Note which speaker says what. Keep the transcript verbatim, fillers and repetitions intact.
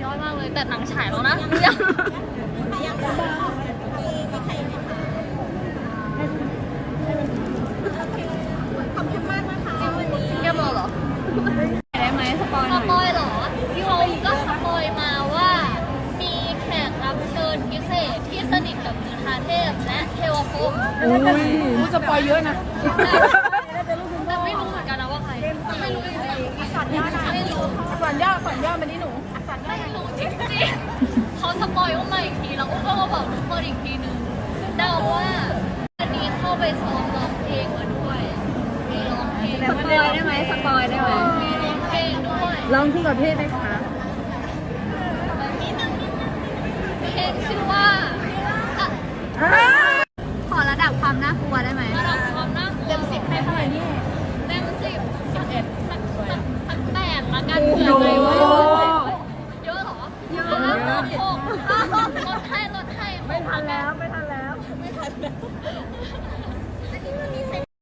Speaker 1: อดมากเลยแต่หนังฉายแล้วนะยังขอบคุณมากนะคะวันนี้เรียบร้อยเหรอได้ไหมสปอยหน่อยสปอยเหรอเขาก็สปอยมาว่ามีแขกรับเชิญพิเศษที่สนิทกับจุฑาเทพและเทวภพ
Speaker 2: อู้สปอยเยอะนะ
Speaker 1: แต่ไม่รู้เหมือนกันนะว่าใครไม่รู้จริงๆสัญญาไม่รู้
Speaker 2: สัญญาสัญญามันนี่หนู
Speaker 1: ไม่รู้จริงๆเขาสปอยอุ้มมาอีกทีแล้วอุ้มก็มาบอกทุกคนอีกทีนึงเดาว่าอันนี้เข้าไปซ้อมร้องเพลงมาด้วยมีร้องเพลง
Speaker 2: สปอยได้ไหมสปอยได้ไหม
Speaker 1: มีร้องเพลงด้วย
Speaker 2: ร้องคู่กับเพศไหมคะ
Speaker 1: นิดนึงนิดนึงเพลงชื่อว่า
Speaker 2: ขอระดับความน่ากลัวได้ไหม
Speaker 1: ระดับความน่ากลัวเต็มสิบให้เท่าไหร่นี่เต็มสิบสิบเอ็ดสักสักแปดละกันเผื่อใจไว้เยอะเหรอเยอะลดให้ลดให้
Speaker 2: ไม่ทันแล้วไม่ทัน